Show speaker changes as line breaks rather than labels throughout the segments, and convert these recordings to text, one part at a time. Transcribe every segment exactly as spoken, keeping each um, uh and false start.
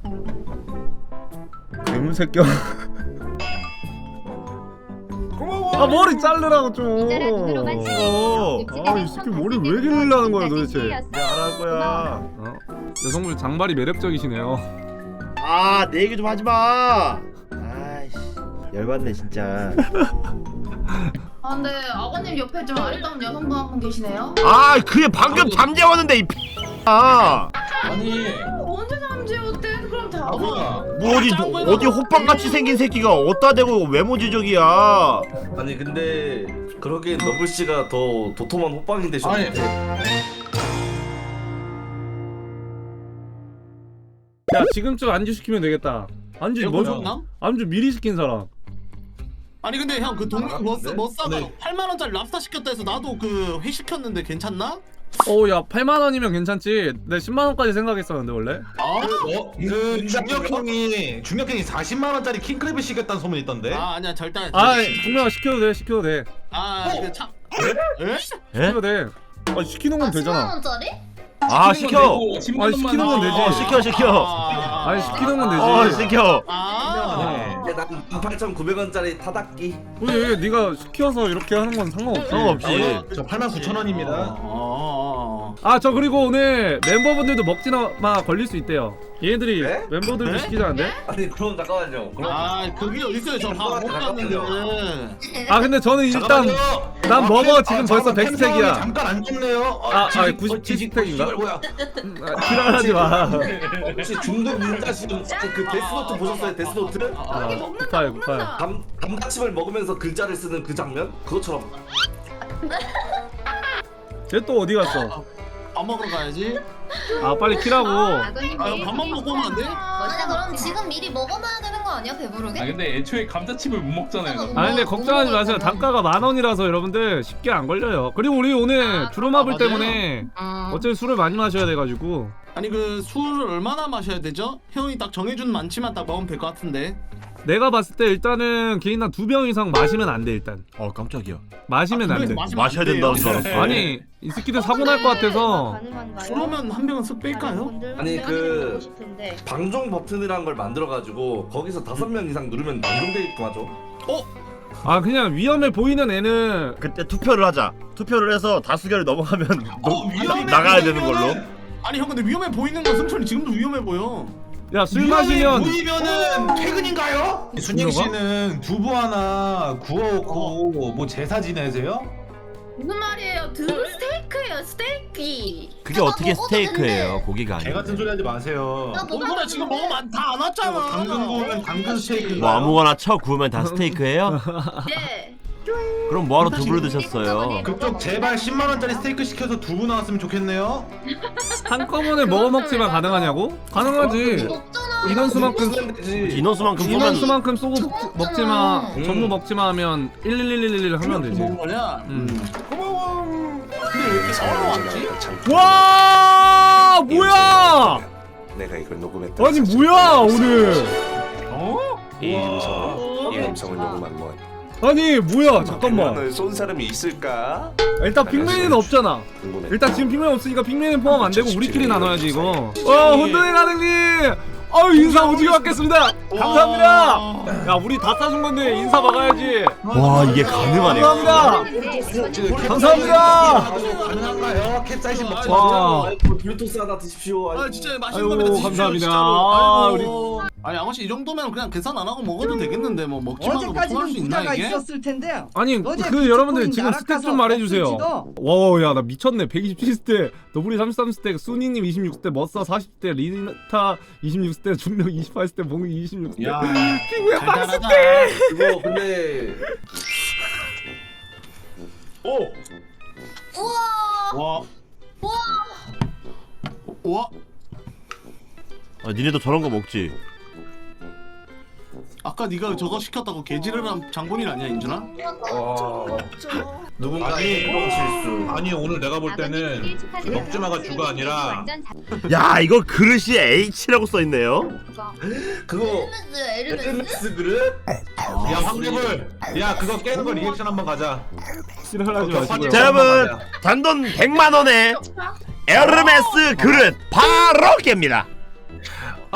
개새끼야. 아 머리 자르라고 좀. 어. 아이 새끼 머리 왜 길르려는 거야 도대체.
잘할 거야.
어? 여성분 장발이 매력적이시네요.
아, 내 얘기 좀 하지 마. 아이씨, 열받네 진짜.
아 근데 아버님 옆에 좀 아리따운 여성분 한 분 계시네요?
아, 그게 방금 잠재웠는데 이 아.
아니
언제 잠재웠대? 그럼 다
아 뭐야?
뭐 어디 어디 호빵같이 생긴 새끼가 어디다 대고 외모 지적이야.
아니 근데 그러기엔 너블 씨가 더 도톰한 호빵이 되셨는데.
야 지금쯤 안주 시키면 되겠다. 안주 뭐
줬나?
안주 미리 시킨 사람.
아니 근데 형 그 동네 머싸 머싸가
네.
팔만 원짜리 랍스타 시켰다 해서 나도 그 회 시켰는데 괜찮나?
어야 팔만 원이면 괜찮지. 내 십만 원까지 생각했었는데 원래.
아,
어? 그 중력형이 중력형이 사십만 원짜리 킹크랩을 시켰다는 소문이 있던데.
아 아니야 절대.
아 분명 시켜도 돼 시켜도 돼
아그 참. 에?
에?
시켜도 돼. 아 시키는 건
아, 십만
되잖아.
원짜리?
아, 시켜.
아니 시키는 건 되지.
어, 시켜 시켜.
아,
아니 시키는 건 되지.
어, 시켜.
아.
네.
난 팔천구백 원짜리 타닥기.
왜 네가 시켜서 이렇게 하는 건 상관없지.
상관없지.
저 팔만 구천 원입니다.
어.
아 저 그리고 오늘 멤버분들도 먹지마 걸릴 수 있대요. 얘네들이
네?
멤버들도
네?
시키자는데.
아니 그럼 잠깐만요. 그럼
아 그게 어디 있어요? 저밥 못 갔는데.
아 근데 저는 일단
잠깐만요.
난
아,
먹어
팬-
지금
아,
벌써
잠깐만,
백 스택이야.
팬 잠깐 안 줬네요.
아, 아,
지식-
구십칠
지식-
스택인가?
지식을 뭐야?
지랄하지 마.
혹시 중독 민자씨 그 데스노트 보셨어요? 데스노트?
아,
여기 먹는다
급하게, 급하게.
먹는다.
감 감자칩을 먹으면서 글자를 쓰는 그 장면? 그것처럼.
쟤 또 어디 갔어?
밥 먹으러 가야지.
아 빨리 키라고.
아버님
아,
내일
밥만 먹고 오면 안 돼?
아니 그럼 지금 미리 먹어놔야 되는 거 아니야 배부르게?
아 근데 애초에 감자칩을 못 먹잖아요.
아 근데
뭐,
걱정하지
뭐
마세요.
먹어야
단가가 만 원이라서 여러분들 쉽게 안 걸려요. 그리고 우리 오늘
아,
주로마블
아, 맞아요.
때문에
아.
어차피 술을 많이 마셔야 돼가지고.
아니 그 술을 얼마나 마셔야 되죠? 형이 딱 정해준 많지만 딱 먹으면 될 것 같은데.
내가 봤을 때 일단은 개인당 두 병 이상 마시면 안 돼 일단.
어, 깜짝이야.
마시면 안 돼.
마셔야 된다는 줄 알았어.
아니 이 새끼들 사고 날 것 같아서.
그러면 한 병은 쓱 뺄까요?
아니 그 방종 버튼이라는 걸 만들어가지고 거기서 다섯 명 이상 누르면 방종되게끔 하죠.
아 그냥 위험해 보이는 애는
그때 투표를 하자. 투표를 해서 다수결을 넘어가면
어, 위험해
나가야 되는
보이면은-
걸로.
아니 형 근데 위험해 보이는 건 승철이 지금도 위험해 보여.
야 술 마시면
보이면은 퇴근인가요? 순영 씨는 두부 하나 구워놓고 뭐 제사 지내세요?
무슨 말이에요? 두부 스테이크예요 스테이크.
그게 어떻게 스테이크예요? 고기가
개
아니고.
같은 소리 하지 마세요.
나
뭔 소리야 지금 먹으면 다 안 왔잖아.
당근 구우면 당근 스테이크인가요?
뭐 아무거나 쳐 구우면 다 스테이크예요?
네.
그럼 뭐하러 두부를 드셨어요?
그쪽 제발 십만 원짜리 스테이크 시켜서 두부 나왔으면 좋겠네요.
한꺼번에 먹어 먹지만 가능하냐고? 가능하지.
먹잖아.
인원수만큼
인원수만큼 쏘면
인원수만큼 쏘고 먹- 먹지마.
음.
전부 먹지마 하면 일일일일일 하면 되지.
먹은 거냐?
음.
근데 왜 이렇게 서로 왔지?
와 뭐야?
내가 이걸 녹음했다.
아니 뭐야 오늘?
어?
이 음성을 이 음성을 녹음한 건
아니 뭐야 잠깐만.
백만을 쏜 사람이 있을까?
일단 빅맨은 없잖아.
궁금해.
일단 지금 빅맨 없으니까 빅맨은 포함 안 되고 우리끼리 나눠야지 이거. 어 혼돈의 가능님. 아유 인사 오지게 받겠습니다. 감사합니다. 야 우리 다 싸준 건데 인사 박아야지.
와, 이게 가능하네.
감사합니다. 감사합니다.
가능한가요? 캡사이신 먹지
와.
마세요.
아이고 블루투스 하나 드십시오.
아
아이고.
진짜 맛있는
아이고,
겁니다. 드십시오,
감사합니다.
진짜로.
아,
아이고. 아니 아가씨 이 정도면 그냥 계산 안 하고 먹어도 되겠는데 뭐 먹지 말고 뭐 통할
어제까지는
수 있나
부자가
이게?
있었을 텐데요.
아니
어제
그 여러분들
비트코인
지금 스택
나락가서
좀 말해주세요.
없을지도.
와야 나 미쳤네. 백이십칠 스택, 너구리 삼십삼 스택, 수니님 이십육 스택, 머싸 사십 스택, 리타 이십육 스택, 중력 이십팔 스택, 몽이 이십육 스택.
야,
핑구야 빵
달달하다.
스택.
이거 근데 오
우와.
와.
우와.
와.
아, 니네도 저런 거 먹지?
아까 네가 저거 시켰다고 개지르란 장본인 아니야 인준아?
누군가의 이런 실수.
아니 오늘 내가 볼 때는 먹지마가 주가 아니라
야, 이거 그릇이 H라고 써있네요?
그거
에르메스 에르메스.
에르메스 그릇?
야 황금을 야 그거 깨는 거 리액션 한번 가자.
싫어하지 마시고요.
자, 여러분 단돈 백만 원에 에르메스 그릇 바로 깹니다.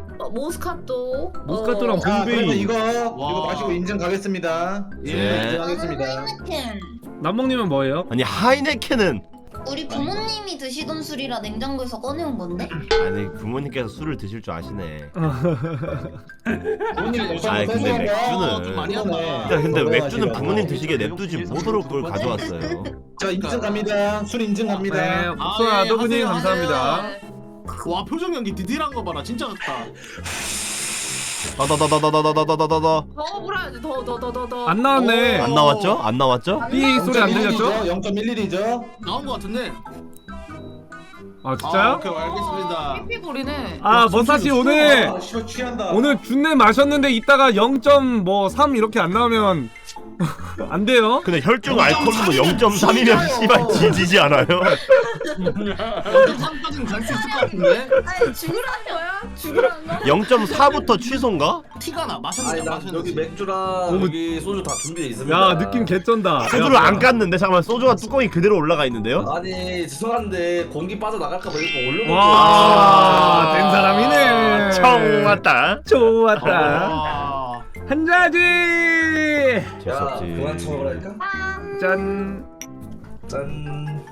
어, 모스카토.
모스카토랑
어,
자
봄베이.
그러면 이거
와.
이거 마시고 인증 가겠습니다.
네.
예 인증하겠습니다.
하이네켄.
남몽님은 뭐예요?
아니 하이네켄은
우리 부모님이 드시던 술이라 냉장고에서 꺼내온 건데?
아니 부모님께서 술을 드실 줄 아시네.
부모님
아이, 근데 맥주는-
좀 많이 한다.
야 근데 맥주는 부모님 드시기에 냅두지 못으로 그걸 가져왔어요.
자 인증 갑니다. 술 인증
네,
갑니다.
복숭아
아, 예,
도구님
하세요,
감사합니다.
와 표정 연기 디테일한 거 봐라 진짜 같다.
다다다다다다다다다다.
더 불어야지 더 더 더 더더
안 나왔네.
안 나왔죠? 안 나왔죠?
삐 소리 안 들렸죠?
영 점 일 밀리리터.
나온 거 같은데.
아
아,
진짜요?
오케이 알겠습니다.
피피골이네.
아 머사씨 오늘
아 씨발 취한다.
오늘 준내 마셨는데 이따가 영 점 삼 이렇게 안 나오면 안 돼요.
근데 혈중 알코올도 영 점 삼이면 씨발 지지지 않아요?
삼까지는 갈 수 있을 것 같은데.
아니 죽으라는 거야? 죽으라는 거?
영 점 사부터 취소인가?
티가 나
아니
마셨는데
나
마셨는데.
여기 맥주랑
오.
여기 소주 다 준비돼 있습니다.
야 느낌 개쩐다.
소주를 안 깠는데 잠깐만 소주가 뚜껑이 그대로 올라가 있는데요?
아니 죄송한데 공기 빠져나갈까봐 이렇게 올려놓고
와, 된 사람이네.
청 왔다.
좋았다.
아,
한 잔지.
야 그만 쳐먹으라니까.
짠.
짠.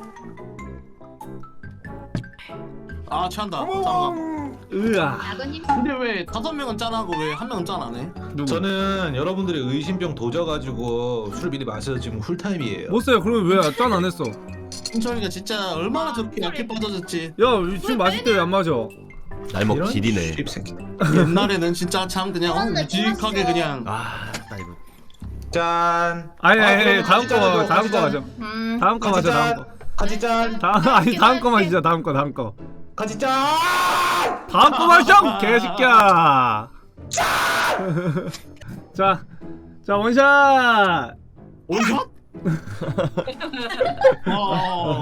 아 취한다. 잠깐.
으아.
아버님
근데 왜 다섯 명은 짠하고 왜 한 명은 짠 안 해?
누구?
저는 여러분들의 의심병 도져가지고 술 미리 마셔서 지금 쿨타임이에요.
못 써요. 그러면 왜 짠 안 했어?
승철이가 진짜 얼마나 저렇게 약해 빠져졌지.
야 지금 마실 때 왜 안 마셔?
날먹
이런
질이네.
씹새끼.
옛날에는 진짜 참 그냥 어,
그런데
묵직하게
그랬어.
그냥.
아, 나 이거.
짠.
아니 아니 아니
아,
다음
짠,
거
짠,
다음 거
짠.
마셔.
음
다음 거 마셔 다음 거.
같이 짠.
다음 아니 다음 거 마시자 다음 거 다음 거.
같이 짠.
다음 거 마셔 개새끼야. 자, 자 원샷.
원샷? 어.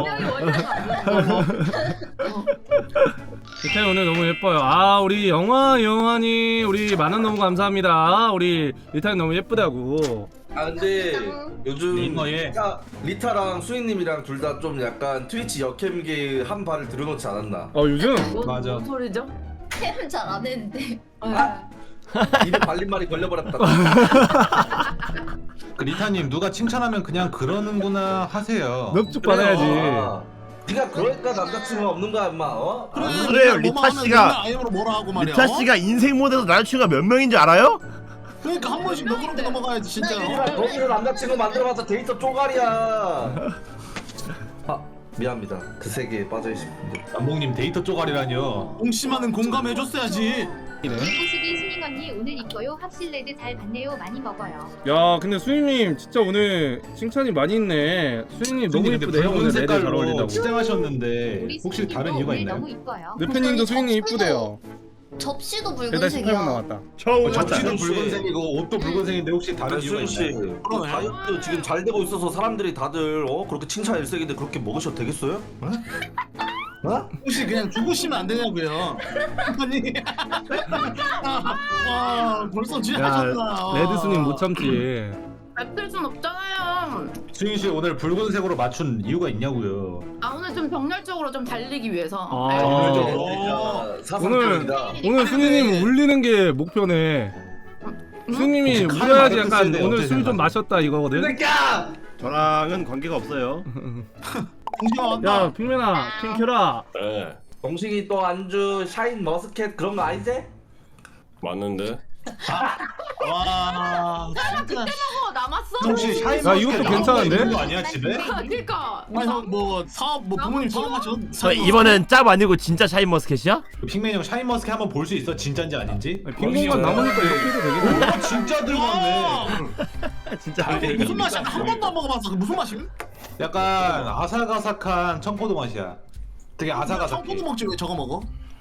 디테일 오늘 너무 예뻐요. 아 우리 영화 영환이 우리 만원 너무 감사합니다. 우리 리타이 너무 예쁘다고.
아 근데 요즘
링거에.
리타, 리타랑 수인님이랑 둘 다 좀 약간 트위치 역캠계 한 발을 들여놓지 않았나?
어 요즘
맞아.
뭔 소리죠?
템은 잘 안 했는데.
입에 발린 말이 걸려버렸다.
그 리타님 누가 칭찬하면 그냥 그러는구나 하세요.
넙죽 받아야지.
아, 네가 그러니까 남자친구가 없는 거야 임마. 어?
그래,
그래요,
그냥
리타
뭐만 하면
씨가-
맨날 아이엠으로 뭐라 하고 말이야.
리타 씨가 인생 모드에서 남자친구가 몇 명인 줄 알아요?
그러니까 한 번씩 너그럽게 넘어가야지 진짜.
씨발, 거기서 남자친구 만들어봐서 데이터 쪼가리야. 아 미안합니다. 그 세계에 빠져있습니다.
남봉님 데이터 쪼가리라뇨.
옹심하는 공감해줬어야지.
구수비 수닝 언니 오늘 이뻐요. 합실레드 잘 봤네요. 많이 먹어요.
야 근데 수인님 진짜 오늘 칭찬이 많이 있네. 수인님 너무 예쁘대요. 오늘 레드 잘 어울린다고.
치장하셨는데
우리
혹시
수닝님도
다른 이유가
오늘
있나요?
너무 이뻐요.
르페님도 수인님 이쁘대요.
접시도
일단 십팔 분 남았다.
처음
어, 접시도
혹시-
붉은색이고 옷도 붉은색인데 혹시 다른 이유가
수인 씨,
있나요?
그 다이어트 지금 잘 되고 있어서 사람들이 다들 어 그렇게 칭찬 일색인데 그렇게 먹으셔도 되겠어요? 어? 어?
혹시 그냥 죽으시면 안 되냐고요. 아니. 와 벌써
야
취하셨나.
레드 수님 못 참지.
뱉을 순 없잖아요.
수인 씨 오늘 붉은색으로 맞춘 이유가 있냐고요.
아 오늘 좀 병렬적으로 좀 달리기 위해서.
아.
네.
어, 사상적이다.
오늘 수인님 울리는 게 목표네. 수인님이
혹시 칼
울려야지
맞았을
약간
때
오늘
어떻게
술 좀
생각하세요?
마셨다 이거거든.
새끼야!
저랑은 관계가 없어요.
공시가 왔다.
야 핑맨아 핑 켜라.
네
동식이 또 안주 샤인 머스켓 그런 거 아니지?
맞는데.
와 진짜.
어 남았어?
혹시 샤인
야, 이것도
머스켓
괜찮은데?
있는 거 아니야 집에?
그러니까.
아니 형뭐 사업 뭐 부모님 사업하셔.
저 이번엔 짭 아니고 진짜 샤인머스켓이야?
핑맨 형 샤인 머스켓 한번 볼 수 있어? 진짜인지 아닌지?
빈 공간 남으니까 이렇게 해도 되겠네.
오, 진짜 들어갔네.
진짜.
아, 무슨 맛이야? 한 번도 안 먹어봤어. 그 무슨 맛임?
약간 아삭아삭한 청포도 맛이야. 되게 아삭아삭해.
청포도 먹지 왜 저거 먹어?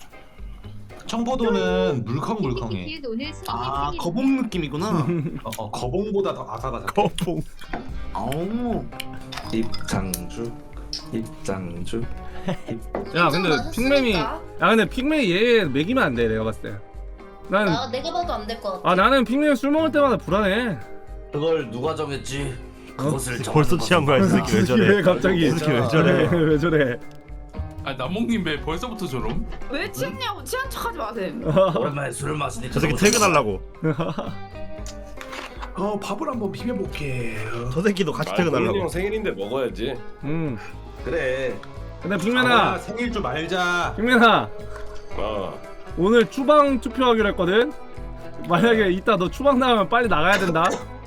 청포도는 물컹물컹해.
오늘 수닝님
아
생일.
거봉 느낌이구나.
어, 어, 거봉보다 더 아삭아삭해.
거봉.
아우.
입장주 입장주
야 근데 핑맨이 야 근데 핑맨이 얘 먹이면 안 돼 내가 봤을 때. 난
나 내가 봐도 안 될 것 같아.
아 나는 핑맨 술 먹을 때마다 불안해.
그걸 누가 정했지? 그것을 정하는
벌써
것은
취한 거야 이 새끼 왜 저래?
왜 갑자기
이 새끼 왜 저래?
왜, 왜 저래?
아 남몽님 왜 벌써부터 저럼?
왜 취했냐고 취한 척하지 마세요.
오랜만에 술을 마시니까
저 새끼
너무
퇴근하려고.
어 밥을 한번 비벼볼게.
저 새끼도 같이
아, 형
퇴근하려고.
생일인데 먹어야지.
음.
그래.
근데
아,
핑맨아,
생일 좀 알자.
핑맨아
어.
오늘 추방 투표하기로 했거든. 만약에 이따 너 추방 나가면 빨리 나가야 된다.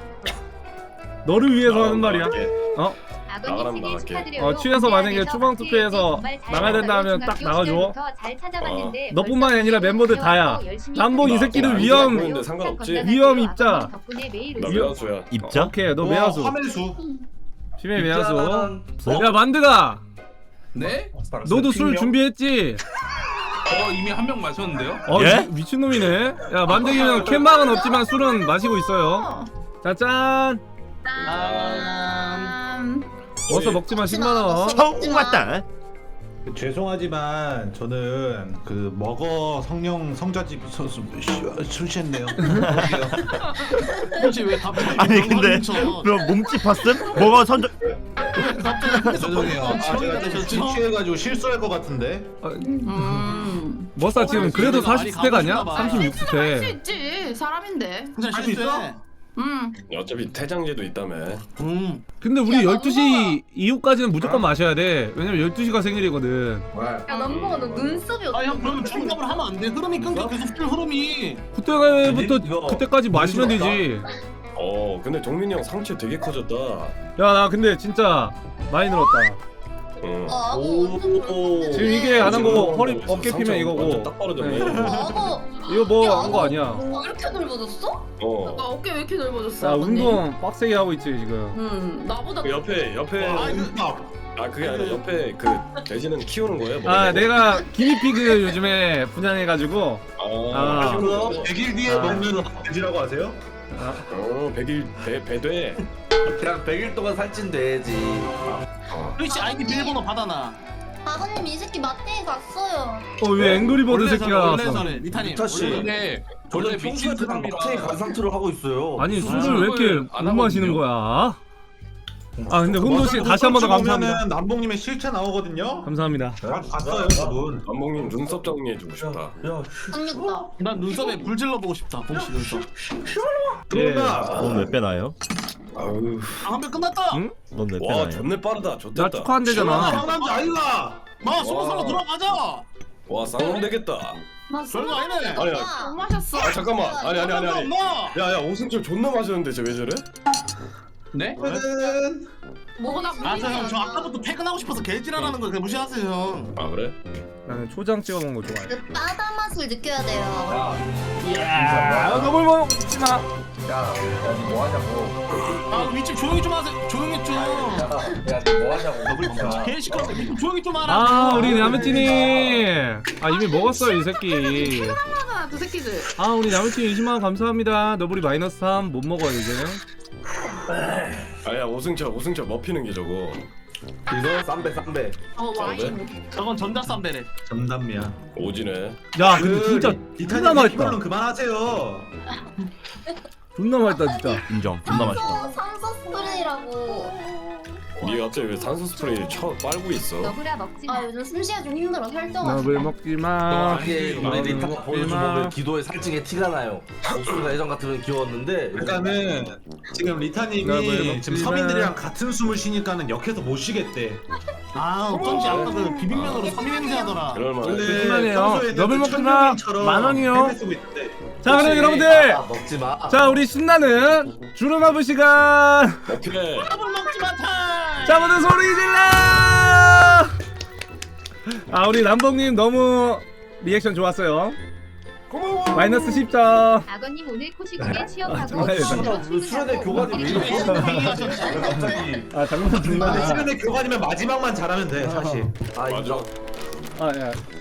너를 위해서 하는 말이야. 어?
아버님
나가라면
생일
나갈게.
축하드려요.
어, 취해서 만약에
공대안에서
추방
박스에
투표해서
정말 잘
나가야 된다 하면
나가서
딱 나가줘.
중학교 잘 찾아봤는데
너뿐만이
벌써
아니라 멤버들 다야.
배워서 열심히
남봉 이
하고
새끼는
있어요.
위험-
보이는데 상관없지.
위험 입자.
아버님 덕분에 매일
나
웃어요.
매화수야.
입자?
오케이 너
어,
매화수.
화멜수.
핑맨 매화수.
입자만-
야 만드가,
네?
너도 술 준비했지?
어 이미 한 병 마셨는데요?
어
예?
미, 미친놈이네. 야 만드기는 캔방은 없지만 술은 마시고 있어요. 자 짠.
짠.
어서 먹지마 십만 원.
처음 왔다.
그, 죄송하지만 저는 그 먹어 성령 성자집 서수 술 취했네요.
혹시 왜 갑자기
아니 근데
저
그럼 몸집 봤음? 뭐가 선정?
죄송해요. 아, 제가
되셨죠?
술 취해가지고 실수할 것 같은데.
음.
머싸 지금 그래도
많이
사십 스택 아니야?
가보시나 봐.
삼십육
할수
스택.
있지 사람인데.
진짜
할수 있어?
실수해.
음.
어차피 퇴장제도 있다며.
음.
근데 우리
야,
열두 시 이후까지는 무조건 마셔야 돼. 왜냐면 열두 시가 생일이거든.
야 남봉아 너 눈썹이
아
어떻게?
형 그러면 충격을 하면 안 돼. 흐름이 끊겨 계속 술 흐름이.
그때부터
이거
그때까지 마시면 되지.
어 근데 종민이 형 상체 되게 커졌다.
야 나 근데 진짜 많이 늘었다.
응.
아,
오.
오.
지금 이게 안 한 거고 허리
상체
어깨 피면
완전
이거고.
딱 떨어졌네.
네.
아고.
이거 뭐 한 거 아니야.
어, 이렇게 넓어졌어?
어.
나 어깨 왜 이렇게 넓어졌어?
나
아버님?
운동 빡세게 하고 있지 지금.
음 나보다.
그 옆에 옆에
아,
아 그게 아니라 옆에 그 돼지는 키우는 거예요?
아
먹는 거?
내가 기니피그 요즘에 분양해가지고
아,
아.
키우는 거.
백 일 뒤에
아.
먹는 돼지라고 하세요?
어 백일 배 배돼.
그냥 백 일 동안 살찐돼야지.
트위치 아이디 비밀번호 받아놔.
아버님 이 새끼 마트에 갔어요.
어왜 앵그리버드
원래
새끼가
원래
나왔어?
전에 리타님.
리타 씨.
근데
원래
원래
평소에
미친
그냥
사람이라
마트에 간 상태로 하고 있어요.
아니
술을
술을 왜 이렇게
안
못 마시는
하거든요.
거야? 아 근데 혼돈 씨 다시 한 번 더 감사합니다.
보면은 남봉님의 실체 나오거든요.
감사합니다.
가- 갔어요 그분.
남봉님 눈썹 정리해주고 싶다.
야,
그러니까.
난 눈썹에 불 질러보고 싶다. 봉씨 눈썹.
그러나
넌몇 배 나요?
아우.
아한배 끝났다.
응?
넌몇 배
와
나요?
존내 빠르다.
나
좋겠다.
축하한대잖아.
상남자 아이가.
마 스무 살로 돌아가자.
와 쌍놈 되겠다.
나
별거 아니네.
아니야.
못 마셨어.
아 잠깐만. 아니 아니 아니 아니.
엄마.
야야 오승철 존나 마셨는데 쟤 왜 저래?
네?
뭐가
아저 형 저 아까부터 퇴근하고 싶어서 개지랄하는 거 그냥 무시하세요 형.
아 그래?
나는 초장 찍어 먹는 거 좋아해.
그 바다 맛을 느껴야 돼요.
아 너무 먹지 마.
야, 니 뭐 하냐고.
아 윗집 조용히 좀 하세요. 조용히 좀.
야, 니 뭐 하냐고.
개 시끄럽다. 윗집 조용히 좀 하라.
아 우리 남친이 아 이미 먹었어요 이 새끼.
하나 두 새끼들.
아 우리 남친 이십만 원 감사합니다. 너블이 마이너스 삼 못 먹어요 이제.
아야 오승철 오승철 먹히는 게 저거.
이거 쌈배 쌈배.
어
와인.
저건 전자쌈배래.
전담이야.
오지네.
야 근데 진짜 존나 맛있다.
이걸로 그만하세요.
존나 맛있다 진짜.
인정. 존나 맛있다.
산소 산소 스프레이라고.
니가 갑자기 왜 산소 스프레이 쳐 빨고 있어?
너구라 먹지 마.
아 요즘 숨쉬기가 좀 힘들어
너블
살쪄가지고.
먹지 마.
이게 우리 리타 보여주면 기도의 살찐게 티가 나요. 목소리가 예전 같으면 귀여웠는데.
그러니까는 지금
나 왜
리타님이
먹지
지금
마.
서민들이랑 같은 숨을 쉬니까는 역해서 못 쉬겠대.
아 어쩐지 아까 그 비빔면으로 섬유 냄새 하더라.
그럴만해.
거짓말이에요.
평소에는
너블
그
먹지 마.
천명인처럼
만 원이요.
헬멧 쓰고 있는데.
자 그럼
혹시-
여러분들
아, 먹지 마.
자 우리 신나는 주름아부 시간.
오케이.
밥을 먹지 마 타임.
자 모두 소리 질러. 아 우리 남봉님 너무 리액션 좋았어요. 마이너스 십 점.
아버님 오늘 코시국에 취업하고
정말
집으로
왜 수련회 교관이 왜 이렇게 갑자기.
아 장난
근데
장난.
시간에 교관이면 마지막만 잘하면 돼 사실.
아,
맞아.
인정.
아 야.